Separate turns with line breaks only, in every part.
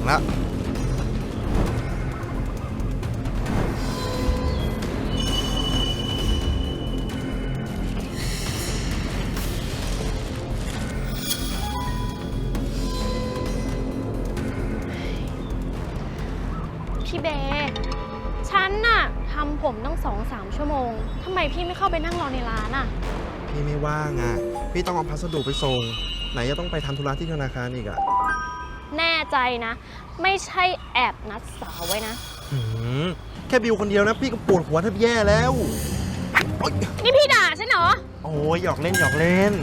แล้ว
พี่เบย์ฉันน่ะทำผมตั้ง2-3 ชั่วโมงทำไมพี่ไม่เข้าไปนั่งรอในร้านอ่ะ
พี่ไม่ว่างอ่ะพี่ต้องเอาพัสดุไปส่งไหนจะต้องไปทำธุระที่ธนาคารอีกอ่ะ
แน่ใจนะไม่ใช่แอบนัดสาวไว้นะ
แค่บิวคนเดียวนะพี่ก็ปวดหัวแทบแย่แล้ว
นี่พี่ด่าฉันเหรอ
โอ้ยหยอกเล่นหยอกเล่น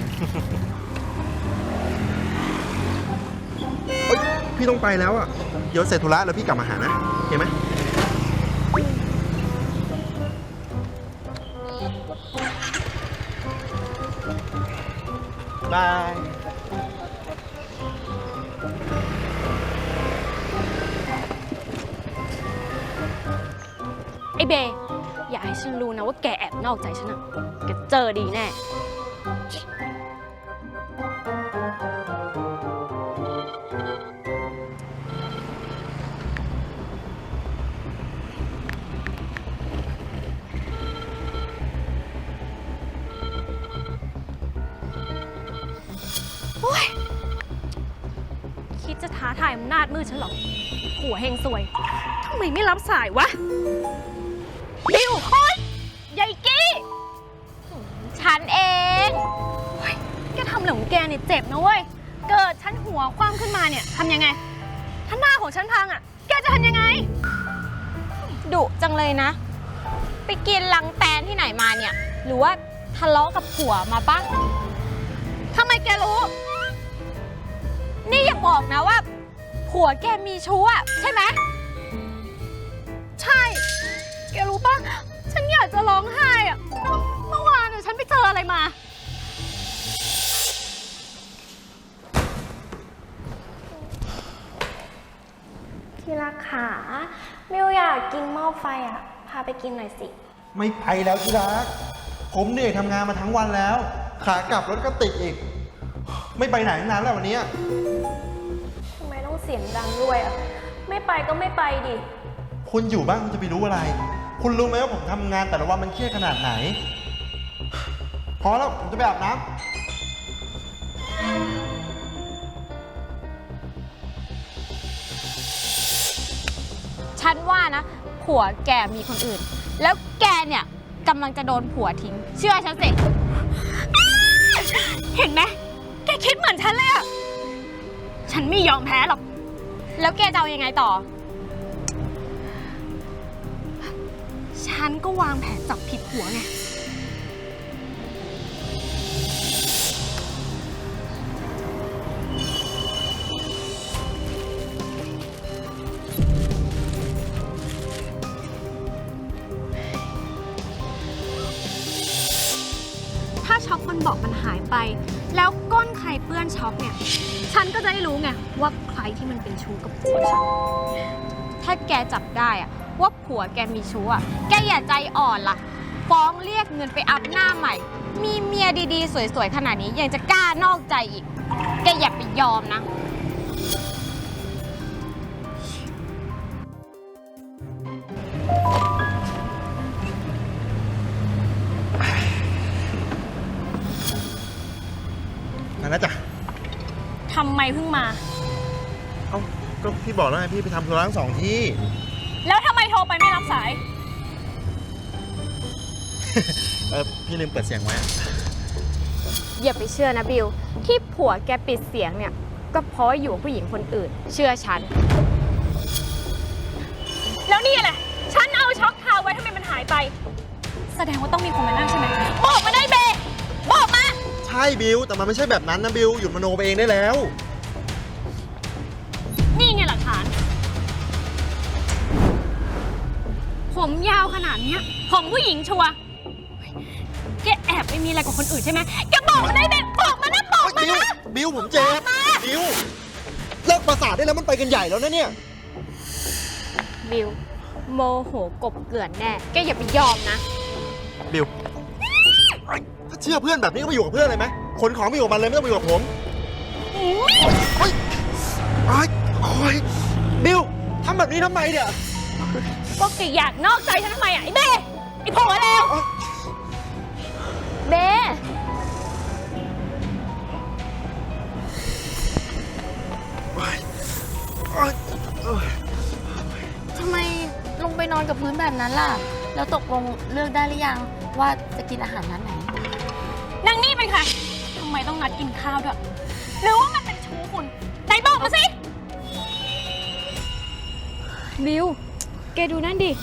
พี่ต้องไปแล้วอ่ะเดี๋ยวเสร็จธุระแล้วพี่กลับมาหานะเห็นไหมบาย
ไอ้เบย์อย่าให้ฉันรู้นะว่าแกแอบนอกใจฉันอะแกเจอดีแน่คิดจะท้าทายอำนาจมืดฉันหรอหัวเฮงซวยทำไมไม่รับสายวะบิวโอ๊ยยายกี้ฉันเองโอ๊ยแกทำอะไรของแกเนี่ยเจ็บนะเว้ยเกิดฉันหัวคว่ำขึ้นมาเนี่ยทำยังไงถ้าหน้าของฉันพังอ่ะแกจะทำยังไง
ดุจังเลยนะไปกินลังแตนที่ไหนมาเนี่ยหรือว่าทะเลาะกับผัวมาปะ
ทำไมแกรู้
นี่อย่าบอกนะว่าผัวแกมีชู้อะใช่ไหม
ใช่แกรู้ปะฉันอยากจะร้องไห้อะเมื่อวานฉันไปเจออะไรมา
ที่รักขามิวอยากกินหม้อไฟอ่ะพาไปกินหน่อยสิ
ไม่ไปแล้วที่รักผมเหนื่อยทำงานมาทั้งวันแล้วขากลับรถก็ติดอีกไม่ไปไหนนานแล้ววันนี้
ทำไมต้องเสียงดังด้วยอ่ะไม่ไปก็ไม่ไปดิ
คุณอยู่บ้างคุณจะไปรู้อะไรคุณรู้ไหมว่าผมทำงานแต่ละวันมันเครียดขนาดไหนพอแล้วผมจะไปอาบน้ำ
ฉันว่านะผัวแกมีคนอื่นแล้วแกเนี่ยกำลังจะโดนผัวทิ้งเชื่อฉันสิ
เห็นไหมแกคิดเหมือนฉันเลยอะฉันไม่ยอมแพ้หรอก
แล้วแกจะเอายังไงต่อ
ฉันก็วางแผนจับผิดผัวไงถ้าช็อกมันบอกมันหายไปแล้วก้นใครเปื้อนช็อกเนี่ยฉันก็จะได้รู้ไงว่าใครที่มันเป็นชู้กับผัวฉัน
ถ้าแกจับได้อะว่าผัวแกมีชู้อะแกอย่าใจอ่อนล่ะฟ้องเรียกเงินไปอัพหน้าใหม่มีเมียดีๆสวยๆขนาดนี้ยังจะกล้านอกใจอีกแกอย่าไปยอมนะ
มาแล้วจ้ะ
ทำไมเพิ่งมา
เอ้าก็พี่บอกแล้วไงพี่ไปทำธุระทั้ง2 ที่
แล้วทำไมโทรไปไม่รับสาย
พี่ลืมเปิดเสียงไว้
อย่าไปเชื่อนะบิวที่ผัวแกปิดเสียงเนี่ยก็เพราะอยู่กับผู้หญิงคนอื่นเชื่อฉัน
แล้วนี่แหละฉันเอาช็อคทาไว้ทำไมมันหายไปแสดงว่าต้องมีคนมานั่งใช่ไหมบอกมาได้เบบอกมา
ใช่บิวแต่มันไม่ใช่แบบนั้นนะบิวหยุดมโนไปเองได้แล้ว
นี่ไงหลักฐานผมยาวขนาดนี้ของผู้หญิงชัวร์แกแอบไปมีอะไรกับคนอื่นใช่ไหมแกบอกมาได้เบบอกมานะบอกมานะ
บิวผมเจ็บบิวเลิกประสาทได้แล้วมันไปกันใหญ่แล้วนะเนี่ย
บิวโมโหกบเกลื่อนแน่แกอย่าไปยอมนะ
บิวถ้าเชื่อเพื่อนแบบนี้ก็ไปอยู่กับเพื่อนเลยไหมขนของไปอยู่กับมันเลยไม่ต้องไปอยู่กับผมโอ๊ยโอ๊ยโอ๊ยนี้ทำไมเนี่ย
ก็แกอยากนอกใจฉันทำไมอ่ะไอ้เบ้ไอ้ผัวเลวเบ้
ทำไมลงไปนอนกับพื้นแบบนั้นล่ะ แล้วตกลงเลือกได้หรือยังว่าจะกินอาหารร้านไหน
นางนี่เป็นใครทำไมต้องนัดกินข้าวด้วยหรือว่ามันเป็นชู้คุณไหนบอกมาสิ
บิว แกดูนั่นดิ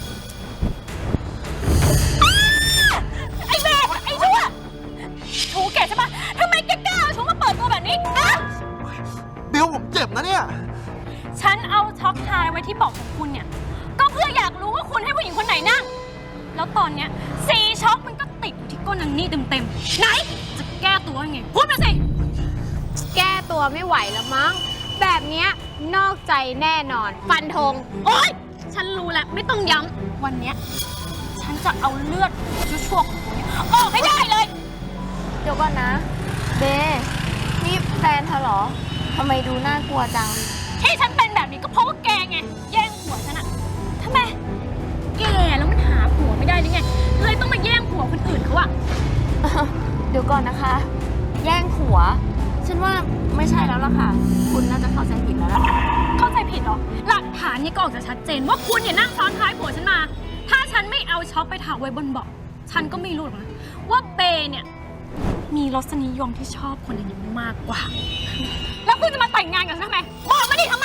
ไอ้เบ้ไอ้ชั่วชู้แกใช่ปะทำไมแกกล้าเอาชู้มาเปิดตัวแบบนี้อะ
บิวผมเจ็บนะเนี่ย
ฉันเอาช็อกทายไว้ที่เบอกของคุณเนี่ย ก็เพื่ออยากรู้ว่าคุณให้ผู้หญิงคนไหนนั่ง แล้วตอนเนี้ยสีช็อกมันก็ติดอยู่ที่ก้นนางนี่เต็มๆไหน จะแก้ตัวยังไง พูดมาสิ
แก้ตัวไม่ไหวแล้วมั้ง แบบเนี้ยนอกใจแน่นอน ฟันธง
โอ๊ย ฉันรู้แล้วไม่ต้องย้ำวันเนี้ยฉันจะเอาเลือดชั่วๆของคุณเนี่ยออกให้ได้เลย
เดี๋ยวก่อนนะ เบ นี่แฟนเธอเหรอ ทำไมดูน่ากลัวจัง
ที่ฉันเป็นแบบนี้ก็เพราะว่าแกไง แย่งผัวฉันอะทำไม แกแล้วมันหาผัวไม่ได้หรือไง เลยต้องมาแย่งผัวคนอื่นเขาอะ
เดี๋ยวก่อนนะคะ แย่งผัว ฉันว่าไม่ใช่แล้วล่ะค่ะ คุณน่าจะเข้าใจผิดแล้วล่ะ
เข้าใจผิดเหรอ หลักฐานนี่ก็ออกจะชัดเจนว่าคุณเนี่ยนั่งซ้อนท้ายผัวฉันมา ถ้าฉันไม่เอาช็อกไปถากไว้บนเบาะฉันก็ไม่รู้หรอกนะว่าเบย์เนี่ยมีรสนิยมที่ชอบคนอื่นมากกว่า แล้วคุณจะมาแต่งงานกับฉันทำไม บอกมาดิทำไม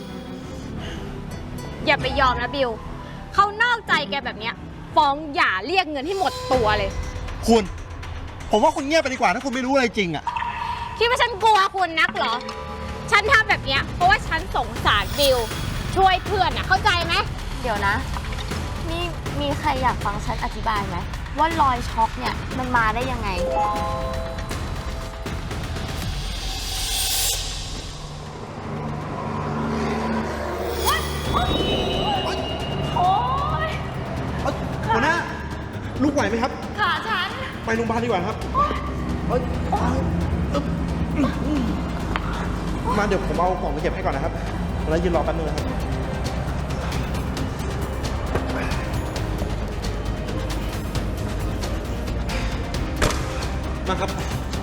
อย่าไปยอมนะบิว เขานอกใจแกแบบเนี้ย ฟ้องหย่าเรียกเงินให้หมดตัวเลย
คุณ ผมว่าคุณเงียบไปดีกว่าถ้าคุณไม่รู้อะไรจริงอะ
คิดว่าฉันกลัวคุณนักเหรอ ฉันทำแบบเนี้ยเพราะว่าฉันสงสารบิว ช่วยเพื่อนอะเข้าใจไหม เดี๋ยวนะ นี่มีใครอยากฟังฉันอธิบายไหมว่ารอยช็อกเนี่ยมันมาได้ยังไง
โอ๊ย
หัวหน้า ลูกไหวไหมครับ
ขาฉัน
ไปโรงพยาบาลดีกว่าครับมาเดี๋ยวผมเอาของไปเก็บให้ก่อนนะครับ แล้วยืนรอแป๊บนึงนะครับ มาครับ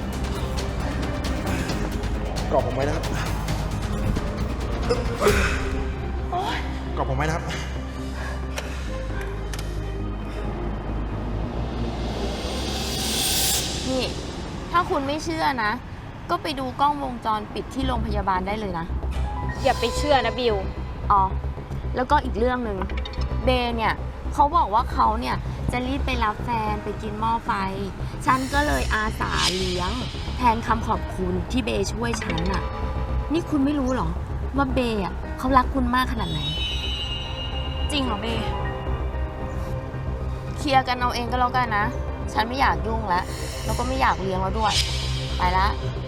กรอบผมไว้นะครับกรอบผมไว้นะครับ
นี่ ถ้าคุณไม่เชื่อนะ ก็ไปดูกล้องวงจรปิดที่โรงพยาบาลได้เลยนะ
อย่าไปเชื่อนะบิว
อ๋อ แล้วก็อีกเรื่องหนึ่งเบย์เนี่ยเขาบอกว่าเขาเนี่ยจะรีบไปรับแฟนไปกินหม้อไฟ ฉันก็เลยอาสาเลี้ยง แทนคำขอบคุณที่เบย์ช่วยฉันน่ะ นี่คุณไม่รู้เหรอ ว่าเบย์อ่ะเขารักคุณมากขนาดไหน
จริงเหรอเบ
เคลียร์กันเอาเองก็แล้วกันนะ ฉันไม่อยากยุ่งแล้ว แล้วก็ไม่อยากเลี้ยงแล้วด้วย ไปละ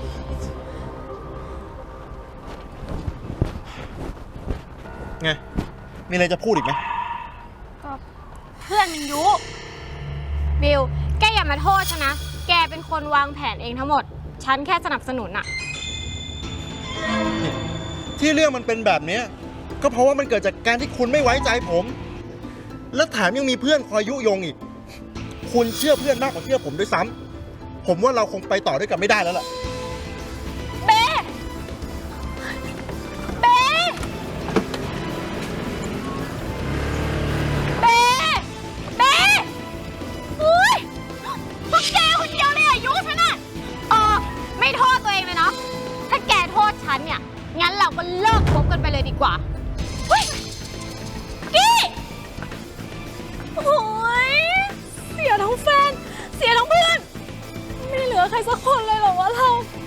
ไง มีอะไรจะพูดอีกไหม
เพื่อนมันยุ
บิว แกอย่ามาโทษฉันนะ แกเป็นคนวางแผนเองทั้งหมด ฉันแค่สนับสนุนอะ
ที่เรื่องมันเป็นแบบนี้ก็เพราะว่ามันเกิดจากการที่คุณไม่ไว้ใจผม และแถมยังมีเพื่อนคอยยุยงอีก คุณเชื่อเพื่อนมากกว่าเชื่อผมด้วยซ้ำผมว่าเราคงไปต่อด้วยกันไม่ได้แล้วล่ะ
เบ เบ เบ เบอุ้ยพวกแกคนเดียวเลยอายุฉันอะ
ไม่โทษตัวเองเลยเนาะ ถ้าแกโทษฉันเนี่ย งั้นเราก็เลิกคบกันไปเลยดีกว่า
เฮ้ยกี้โอ้ยเสียทั้งแฟน เสียทั้งเพื่อน ไม่เหลือใครสักคนเลยเหรอวะเรา